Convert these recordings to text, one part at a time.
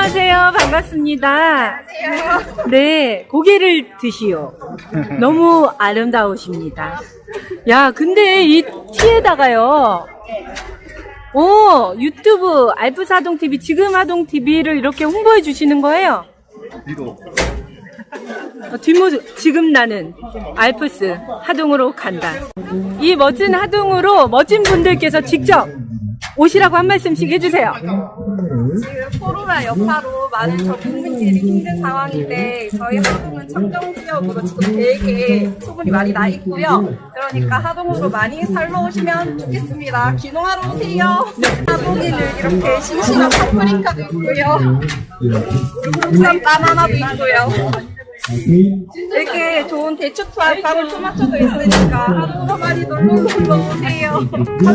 안녕하세요. 반갑습니다. 안녕하세요. 네, 고개를 드시오. 너무 아름다우십니다. 야, 근데 이 티에다가요. 유튜브 알프사동TV, 지금하동TV를 이렇게 홍보해 주시는 거예요? 뒷모습, 지금 나는 알프스 하동으로 간다. 이 멋진 하동으로 멋진 분들께서 직접 오시라고 한 말씀씩 해주세요. 지금 코로나 여파로 많은 전국민들이 힘든 상황인데 저희 하동은 청정 지역으로 지금 되게 소문이 많이 나 있고요. 그러니까 하동으로 많이 살러 오시면 좋겠습니다. 귀농하러 오세요. 하동에는 이렇게 싱싱한 파프리카도 있고요. 국산 바나나도 있고요. 이렇게 좋은 대추 투알빵 토마토도 있으니까 하동으로 많이 놀러 오세요.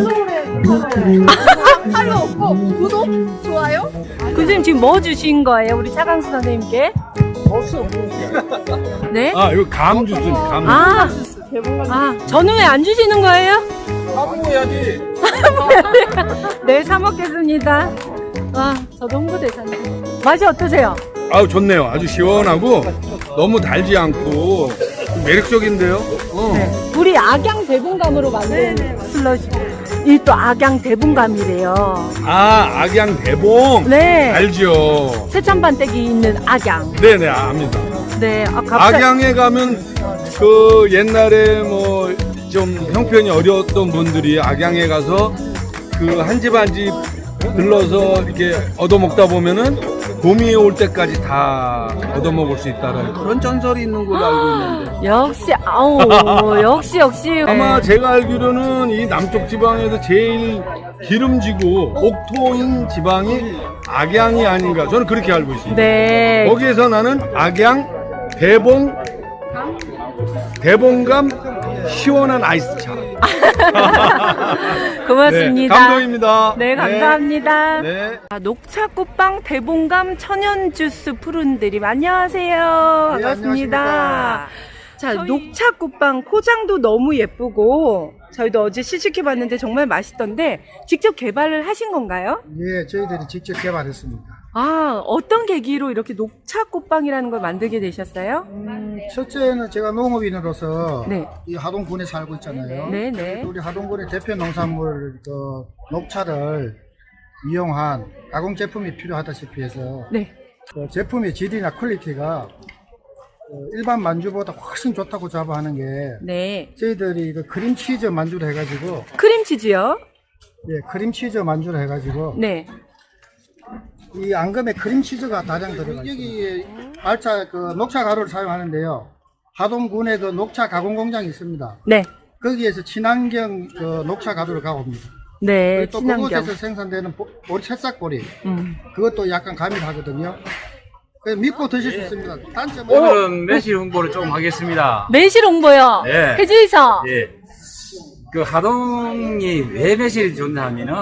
팔로 없고 구독, 좋아요. 선생님 지금 뭐 주신 거예요? 우리 차강수 선생님께? 네? 아, 이거 감 주스, 감. 저는 왜 안 주시는 거예요? 먹어야지. 네, 사 먹겠습니다. 저도 홍보대사님. 맛이 어떠세요? 아우, 좋네요. 아주 시원하고 너무 달지 않고 매력적인데요. 네. 우리 악양 대분감으로 만든 슬러시. 이 또 악양 대분감이래요. 아, 악양 대봉. 네. 알죠. 세찬반댁이 있는 악양. 네네, 압니다. 네. 갑자기. 악양에 가면 그 옛날에 뭐 좀 형편이 어려웠던 분들이 악양에 가서 그 한 집 한 집 들러서 이렇게 얻어먹다 보면은 봄이 올 때까지 다 얻어먹을 수 있다는 그런 전설이 있는 걸로 알고 있는데. 역시. 아마 네. 제가 알기로는 이 남쪽 지방에서 제일 기름지고 옥토인 지방이 악양이 아닌가, 저는 그렇게 알고 있습니다. 네. 거기에서 나는 악양 대봉감 시원한 아이스차. 고맙습니다. 네, 감동입니다. 네, 감사합니다. 네. 녹차꽃빵 대봉감 천연주스 푸른드림. 안녕하세요. 반갑습니다. 자, 녹차꽃빵 포장도 너무 예쁘고 저희도 어제 시식해봤는데 정말 맛있던데 직접 개발을 하신 건가요? 예, 저희들이 직접 개발했습니다. 어떤 계기로 이렇게 녹차꽃빵이라는 걸 만들게 되셨어요? 첫째는 제가 농업인으로서 네. 이 하동군에 살고 있잖아요. 네네. 우리 하동군의 대표 농산물 녹차를 이용한 가공 제품이 필요하다시피 해서 네. 제품의 질이나 퀄리티가 일반 만주보다 훨씬 좋다고 자부하는 게 네. 저희들이 크림치즈 만주를 해가지고 크림치즈요? 크림치즈 만주를 해가지고 네. 이 앙금에 크림치즈가 다량 들어가 있어요. 여기 말차 녹차 가루를 사용하는데요. 하동군에 녹차 가공 공장이 있습니다. 네. 거기에서 친환경 녹차 가루를 가옵니다. 네. 또 친환경. 그곳에서 생산되는 새싹보리 그것도 약간 가미하거든요. 그래서 믿고 드실 수 있습니다. 단점은 오늘은 매실 홍보를 좀 하겠습니다. 매실 홍보요. 네. 해주이서. 예. 그 하동이 왜 매실이 좋냐 하면은,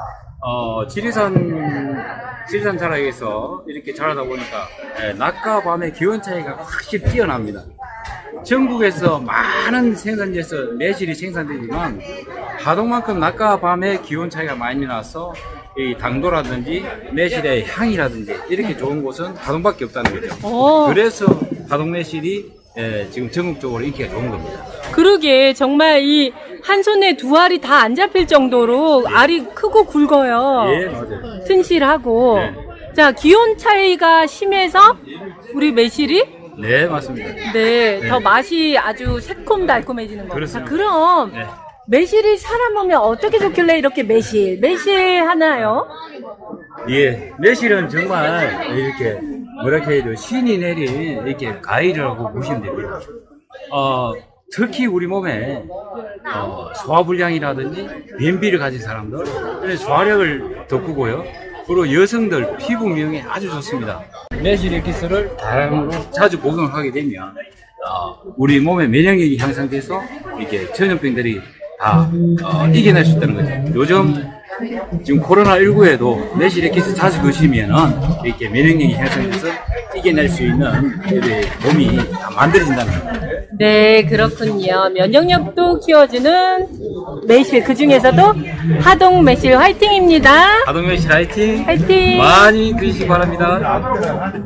지리산 자락에서 이렇게 자라다 보니까, 낮과 밤의 기온 차이가 확실히 뛰어납니다. 전국에서 많은 생산지에서 매실이 생산되지만, 하동만큼 낮과 밤의 기온 차이가 많이 나서, 이 당도라든지 매실의 향이라든지 이렇게 좋은 곳은 하동밖에 없다는 거죠. 그래서 하동 매실이 지금 전국적으로 인기가 좋은 겁니다. 그러게 정말 이 한 손에 두 알이 다 안 잡힐 정도로 알이 크고 굵어요. 예, 맞아요. 튼실하고. 네. 자, 기온 차이가 심해서 우리 매실이 네, 맞습니다. 더 맛이 아주 새콤달콤해지는 겁니다. 그렇습니다. 그럼 네. 매실이 사람 몸에 어떻게 좋길래 이렇게 매실 하나요? 예, 매실은 정말 이렇게 뭐랄까 해도 신이 내린 이렇게 과일이라고 보시면 됩니다. 특히 우리 몸에 소화불량이라든지 변비를 가진 사람들, 소화력을 돋구고요. 그리고 여성들 피부 미용에 아주 좋습니다. 매실 에키스를 다량으로 자주 복용을 하게 되면 우리 몸의 면역력이 향상돼서 이렇게 전염병들이 다 이겨낼 수 있다는 거죠. 요즘 지금 코로나19에도 매실 액기스 자주 드시면은 이렇게 면역력이 향상돼서 이겨낼 수 있는 몸이 다 만들어진다는 거예요. 네, 그렇군요. 면역력도 키워주는 매실, 그 중에서도 하동 매실 화이팅입니다. 하동 매실 화이팅! 화이팅! 많이 드시기 바랍니다.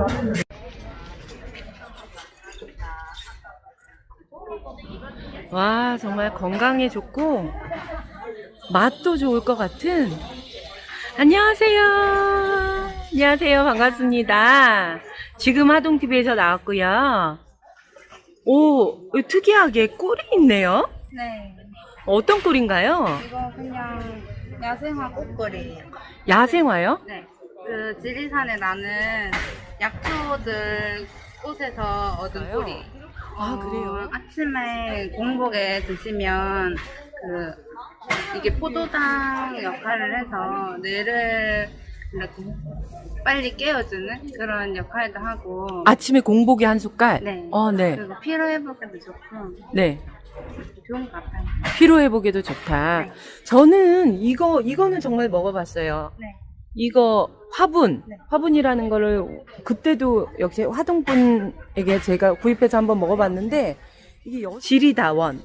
와, 정말 건강에 좋고 맛도 좋을 것 같은. 안녕하세요. 안녕하세요. 반갑습니다. 지금 하동TV에서 나왔고요. 오, 특이하게 꿀이 있네요. 네. 어떤 꿀인가요? 이거 그냥 야생화 꽃걸이에요. 야생화요? 네. 그 지리산에 나는 약초들 꽃에서 얻은 꿀이. 아, 그래요? 아침에 공복에 드시면 이게 포도당 역할을 해서 뇌를 이렇게 빨리 깨워주는 그런 역할도 하고. 아침에 공복에 한 숟갈? 네. 네. 그리고 피로 회복에도 좋고 네. 좋은 것 같아요. 피로 회복에도 좋다. 네. 저는 이거는 정말 먹어봤어요. 네. 이거 화분, 네. 화분이라는 거를 그때도 역시 화동분에게 제가 구입해서 한번 먹어봤는데 이게 지리다원.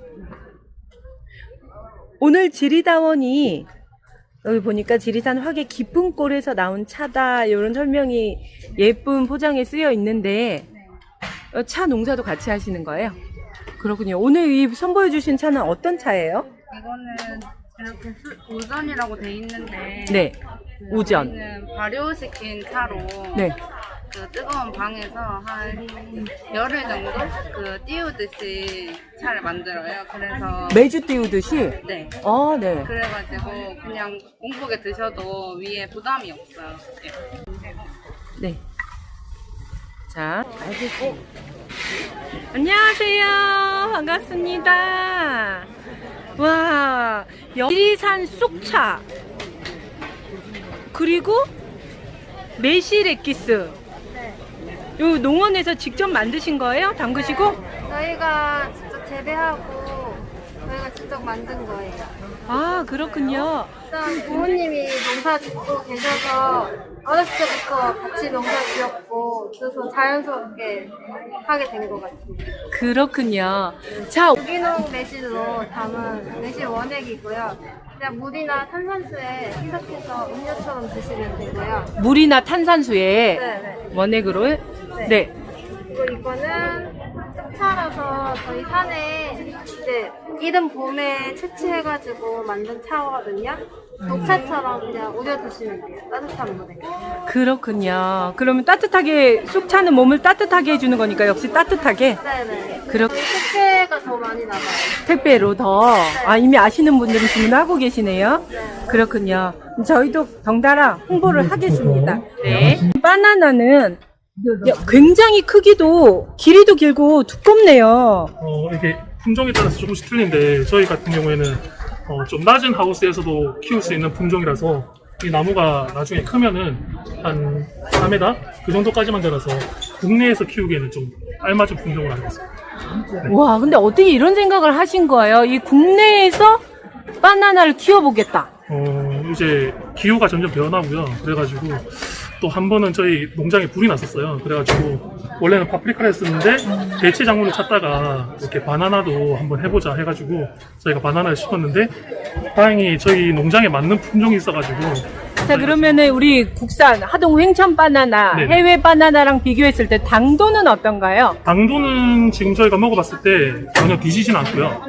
오늘 지리다원이 여기 보니까 지리산 화계 깊은 꼴에서 나온 차다 이런 설명이 예쁜 포장에 쓰여 있는데 차 농사도 같이 하시는 거예요? 그렇군요. 오늘 이 선보여 주신 차는 어떤 차예요? 이거는 이렇게 우전이라고 돼 있는데 네. 그 우전. 저희는 발효시킨 차로 네. 그 뜨거운 방에서 한 열흘 정도 띄우듯이 차를 만들어요. 그래서 매주 띄우듯이? 네. 네. 그래가지고 그냥 공복에 드셔도 위에 부담이 없어요. 네. 자, 알겠고. 안녕하세요. 반갑습니다. 와, 지리산 쑥차. 그리고 매실 액기스. 요 농원에서 직접 만드신 거예요? 담그시고? 저희가 직접 재배하고 저희가 직접 만든 거예요. 아, 그렇군요. 일단 부모님이 농사 짓고 계셔서 어렸을 때부터 같이 농사 지었고 그래서 자연스럽게 하게 된 것 같습니다. 그렇군요. 자, 유기농 매실로 담은 매실 원액이고요. 그냥 물이나 탄산수에 희석해서 음료처럼 드시면 되고요. 물이나 탄산수에 네네. 원액으로. 네. 그리고 이거는 쑥차라서 저희 산에 이제 이른 봄에 채취해가지고 만든 차거든요. 녹차처럼 그냥 우려 드시면 돼요. 따뜻한 물에. 그렇군요. 그러면 따뜻하게, 쑥차는 몸을 따뜻하게 해주는 거니까 역시 따뜻하게. 네네. 그렇게 택배가 더 많이 나가요. 택배로 더. 이미 아시는 분들은 주문하고 계시네요. 그렇군요. 저희도 덩달아 홍보를 하겠습니다. 네. 바나나는 굉장히 크기도, 길이도 길고 두껍네요. 이게 품종에 따라서 조금씩 틀린데 저희 같은 경우에는 좀 낮은 하우스에서도 키울 수 있는 품종이라서 이 나무가 나중에 크면은 한 4m 그 정도까지만 자라서 국내에서 키우기에는 좀 알맞은 품종을 알고 있습니다. 와, 근데 어떻게 이런 생각을 하신 거예요? 이 국내에서 바나나를 키워보겠다. 이제 기후가 점점 변하고요. 그래가지고 또 한 번은 저희 농장에 불이 났었어요. 그래가지고 원래는 파프리카를 했었는데 대체 작물을 찾다가 이렇게 바나나도 한번 해보자 해가지고 저희가 바나나를 심었는데 다행히 저희 농장에 맞는 품종이 있어가지고. 자, 그러면은 우리 국산 하동 횡천 바나나, 네. 해외 바나나랑 비교했을 때 당도는 어떤가요? 당도는 지금 저희가 먹어봤을 때 전혀 뒤지진 않고요.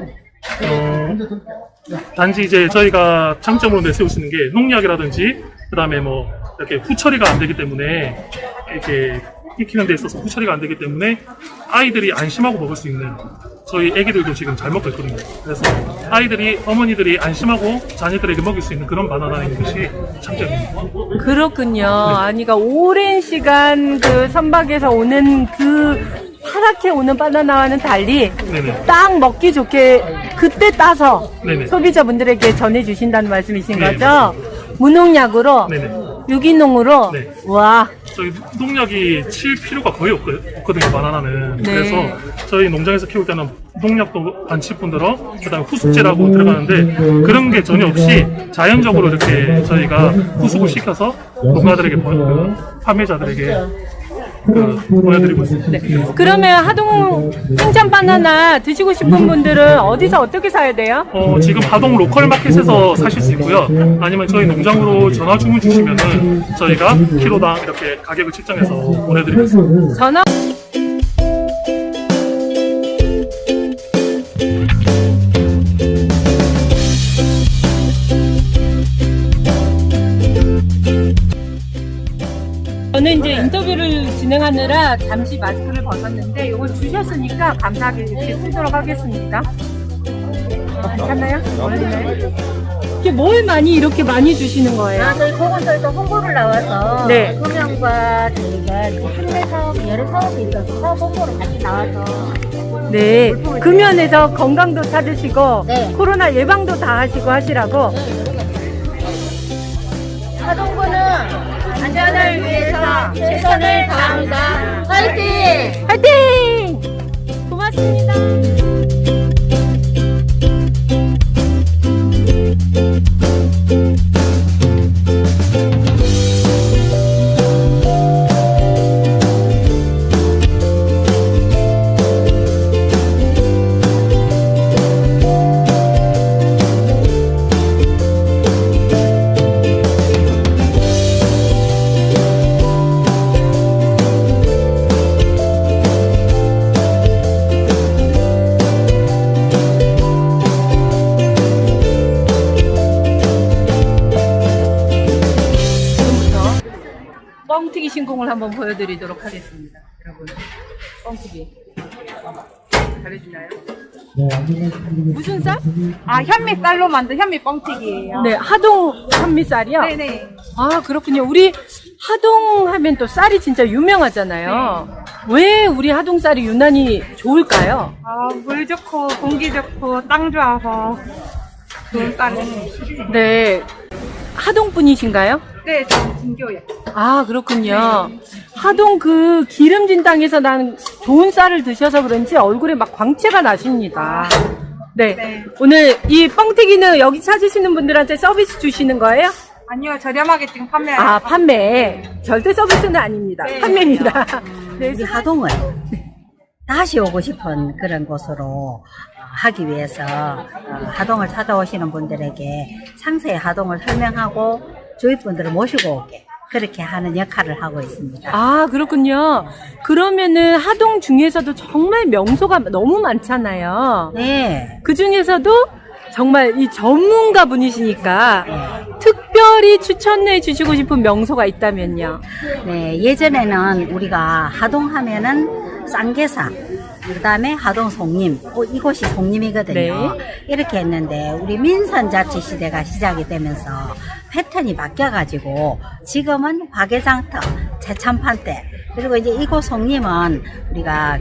단지 이제 저희가 장점으로 내세울 수 있는 게 농약이라든지 그다음에 뭐 이렇게 후처리가 안 되기 때문에 이렇게 익히는 데 있어서 후처리가 안 되기 때문에 아이들이 안심하고 먹을 수 있는, 저희 애기들도 지금 잘 먹고 있거든요. 그래서 아이들이, 어머니들이 안심하고 자녀들에게 먹일 수 있는 그런 바나나인 것이 장점입니다. 그렇군요. 아니, 그러니까 오랜 시간 그 선박에서 오는 그 파랗게 오는 바나나와는 달리 네네. 딱 먹기 좋게 그때 따서 네네. 소비자분들에게 전해주신다는 말씀이신 네, 거죠? 무농약으로 네네. 유기농으로? 네. 와. 저희 농약이 칠 필요가 거의 없거든요, 바나나는. 네. 그래서 저희 농장에서 키울 때는 농약도 안 칠뿐더러 그다음에 후숙제라고 들어가는데 그런 게 전혀 없이 자연적으로 이렇게 저희가 후숙을 시켜서 농가들에게 판매자들에게 보내드리고 있습니다. 네. 그러면 하동 생참 바나나 드시고 싶은 분들은 어디서 어떻게 사야 돼요? 지금 하동 로컬 마켓에서 사실 수 있고요. 아니면 저희 농장으로 전화 주문 주시면은 저희가 키로당 이렇게 가격을 책정해서 보내드리고 있습니다. 전화 저는 이제 인터뷰를 진행하느라 잠시 마스크를 벗었는데 이걸 주셨으니까 감사하게 이렇게 쓰도록 하겠습니다. 괜찮나요? 이게 뭘 많이 이렇게 많이 주시는 거예요? 저희 보건소에서 홍보를 나와서 네. 소명과 저희가 그 판매 사업, 여러 사업이 있어서 사업 홍보를 같이 나와서 네. 금연에서 건강도 찾으시고 네. 코로나 예방도 다 하시고 하시라고. 하동구는 안전을 위해서 최선을 다합니다. 화이팅! 화이팅! 고맙습니다. 뻥튀기 신공을 한번 보여드리도록 하겠습니다. 여러분, 뻥튀기 잘해주나요? 무슨 쌀? 현미쌀로 만든 현미 뻥튀기예요. 네, 하동 현미쌀이요? 네네. 아, 그렇군요. 우리 하동 하면 또 쌀이 진짜 유명하잖아요. 왜 우리 하동 쌀이 유난히 좋을까요? 물 좋고 공기 좋고 땅 좋아서 좋은 쌀을. 네, 하동 분이신가요? 네, 저는 진교예요. 아, 그렇군요. 하동 그 기름진 땅에서 난 좋은 쌀을 드셔서 그런지 얼굴에 막 광채가 나십니다. 네. 네. 오늘 이 뻥튀기는 여기 찾으시는 분들한테 서비스 주시는 거예요? 아니요, 저렴하게 지금 판매해요. 아, 판매. 절대 서비스는 아닙니다. 네. 판매입니다. 네. 우리 하동을 다시 오고 싶은 그런 곳으로 하기 위해서 하동을 찾아오시는 분들에게 상세히 하동을 설명하고 주위 분들을 모시고 오게 그렇게 하는 역할을 하고 있습니다. 아, 그렇군요. 그러면은 하동 중에서도 정말 명소가 너무 많잖아요. 네. 그 중에서도 정말 이 전문가 분이시니까 특별히 추천해 주시고 싶은 명소가 있다면요. 네, 예전에는 우리가 하동 하면은 쌍계사, 그 다음에 하동 송림, 이곳이 송림이거든요. 네. 이렇게 했는데 우리 민선자치 시대가 시작이 되면서 패턴이 바뀌어가지고 지금은 화개장터, 재참판대, 그리고 이제 이곳 송림은 우리가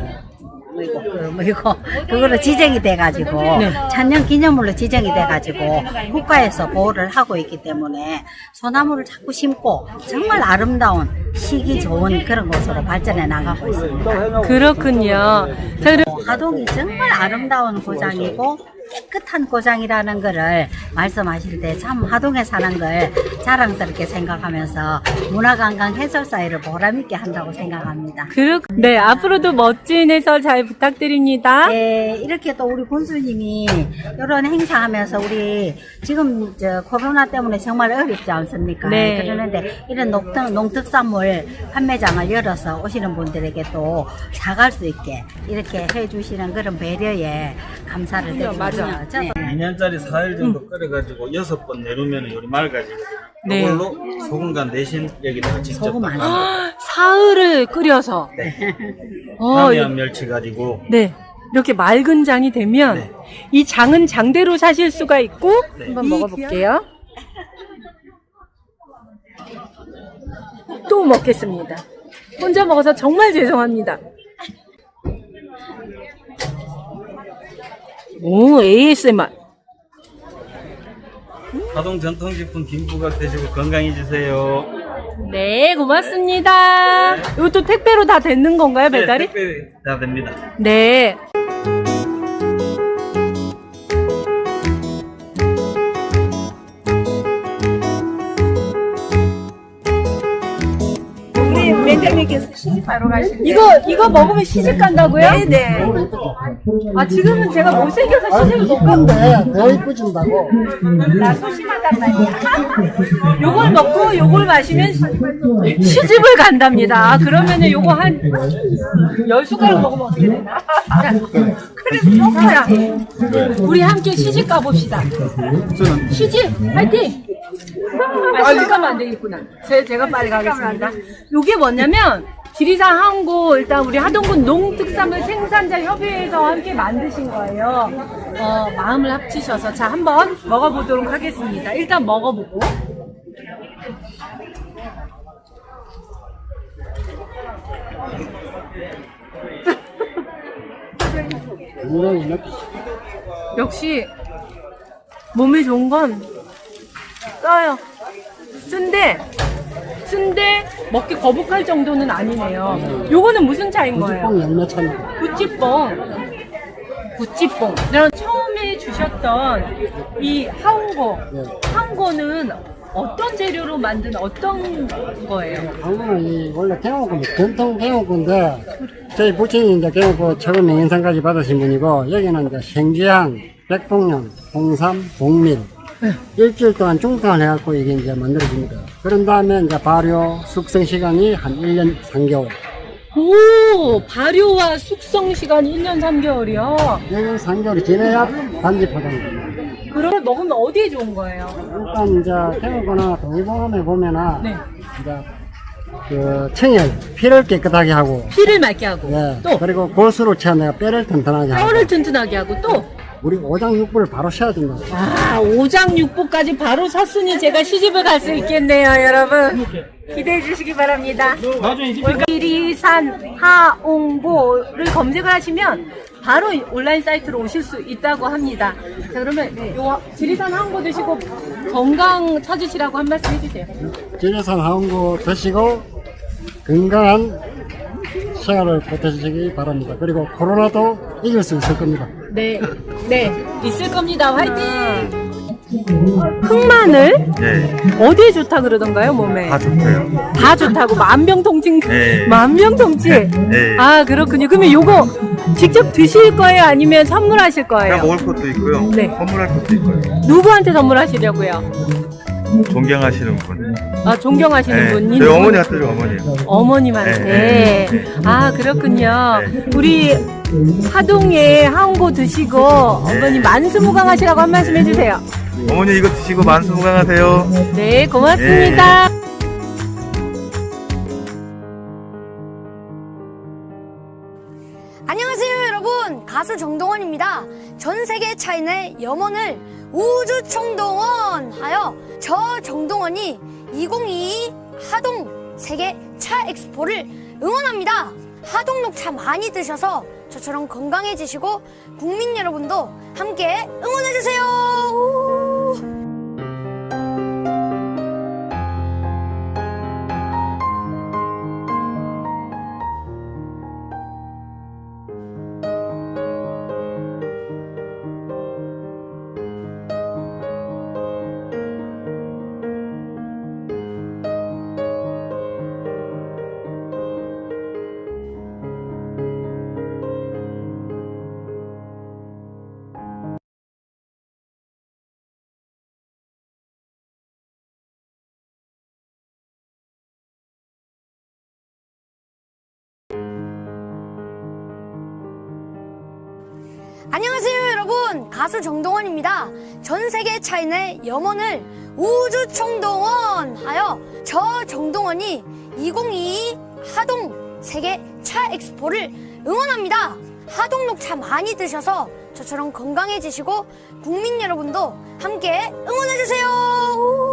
그거로 지정이 돼가지고 네. 천년 기념물로 지정이 돼가지고 국가에서 보호를 하고 있기 때문에 소나무를 자꾸 심고 정말 아름다운 시기 좋은 그런 곳으로 발전해 나가고 있습니다. 그렇군요. 자, 그럼 하동이 정말 아름다운 고장이고 깨끗한 고장이라는 거를 말씀하실 때 참 하동에 사는 걸 자랑스럽게 생각하면서 문화관광 해설사회를 보람있게 한다고 생각합니다. 네, 앞으로도 멋진 해설 잘 부탁드립니다. 네, 이렇게 또 우리 군수님이 이런 행사하면서 우리 지금 코로나 때문에 정말 어렵지 않습니까? 네. 그러는데 이런 농특산물 판매장을 열어서 오시는 분들에게 또 사갈 수 있게 이렇게 해주시는 그런 배려에 감사를 드립니다. 맞아. 네. 2년짜리 4일 정도 끓여가지고 6번 내놓으면 요리 맑아지거든요. 네. 이걸로 소금간 대신 여기다가 직접 소금 안 사흘을 끓여서. 남해안 멸치 가지고 네. 이렇게 맑은 장이 되면 네. 이 장은 장대로 사실 수가 있고 네. 한번 먹어볼게요. 또 먹겠습니다. 혼자 먹어서 정말 죄송합니다. 오, ASMR. 하동 전통 제품 김부각 드시고 건강해지세요. 네, 고맙습니다. 이것도 택배로 다 되는 건가요, 배달이? 네, 택배 다 됩니다. 네. 우리 매장님께서 시집하러 가시는 이거 먹으면 시집 간다고요? 네네. 아, 지금은 제가 못생겨서 시집을 못 가고. 근데 더 이쁘진다고. 나 소심하단 말이야. 요걸 먹고 요걸 마시면 시집을 간답니다. 아, 그러면은 요거 한 10숟가락 먹으면 어떻게 되나? 자, 그럼 자, 우리 함께 시집 가봅시다. 시집 화이팅! 시집 가면 안 되겠구나. 제가 빨리 가겠습니다. 요게 뭐냐면 지리산 항구 일단 우리 하동군 농특산물 생산자 협의회에서 함께 만드신 거예요. 마음을 합치셔서 자 한번 먹어보도록 하겠습니다. 일단 먹어보고. 역시 몸에 좋은 건 써요. 쓴데 먹기 거북할 정도는 아니네요. 요거는 무슨 차인 거예요? 구찌뽕. 그럼 처음에 주셨던 이 하운고는 어떤 재료로 만든 어떤 거예요? 한국은 이 원래 경호권 전통 경호권인데 저희 부친이 이제 경호권 최고 명인상까지 받으신 분이고 여기는 이제 생지향, 백봉령, 홍삼, 복밀 일주일 동안 중탕을 해갖고 이게 이제 만들어집니다. 그런 다음에 이제 발효, 숙성 시간이 한 1년 3개월. 오, 발효와 숙성 시간이 1년 3개월이요? 1년 3개월이 지나야 단지 포장됩니다. 그럼 먹으면 어디에 좋은 거예요? 일단 이제 경호권이나 동의보감에 보면은 네. 이제 그 청열, 피를 깨끗하게 하고 피를 맑게 하고 네. 또 그리고 골수로 채내가 뼈를 튼튼하게 하고 뼈를 튼튼하게 하고 또 우리 오장육부를 바로 쉬어야 된다. 아, 오장육부까지 바로 섰으니 제가 시집을 갈 수 있겠네요, 여러분. 기대해 주시기 바랍니다. 지리산 하옹보를 검색을 하시면 바로 온라인 사이트로 오실 수 있다고 합니다. 자, 그러면 요 지리산 하옹보 드시고 건강 찾으시라고 한 말씀 해주세요. 지리산 하옹보 드시고 건강한 생활을 보태시기 바랍니다. 그리고 코로나도 이길 수 있을 겁니다. 네, 있을 겁니다. 화이팅! 흑마늘? 네, 어디에 좋다 그러던가요, 몸에? 다 좋고요. 다 좋다고 만병통치. 네. 만병통치. 네. 아, 그렇군요. 그러면 요거 직접 드실 거예요, 아니면 선물하실 거예요? 먹을 것도 있고요. 네. 선물할 것도 있고요. 누구한테 선물하시려고요? 존경하시는 분. 아, 존경하시는 분이? 저희 어머니 같아요, 어머니. 어머님한테. 네. 아, 그렇군요. 네. 우리 하동에 하옹고 드시고 어머니 만수무강하시라고 한 말씀 해주세요. 어머니 이거 드시고 만수무강하세요. 네, 고맙습니다. 안녕하세요 여러분, 가수 정동원입니다. 전 세계 차인의 염원을 우주 총동원하여 저 정동원이 2022 하동 세계 차 엑스포를 응원합니다. 하동 녹차 많이 드셔서 저처럼 건강해지시고 국민 여러분도 함께 응원해주세요. 안녕하세요 여러분, 가수 정동원입니다. 전 세계 차인의 염원을 우주 총동원하여 저 정동원이 2022 하동 세계 차 엑스포를 응원합니다. 하동 녹차 많이 드셔서 저처럼 건강해지시고 국민 여러분도 함께 응원해주세요.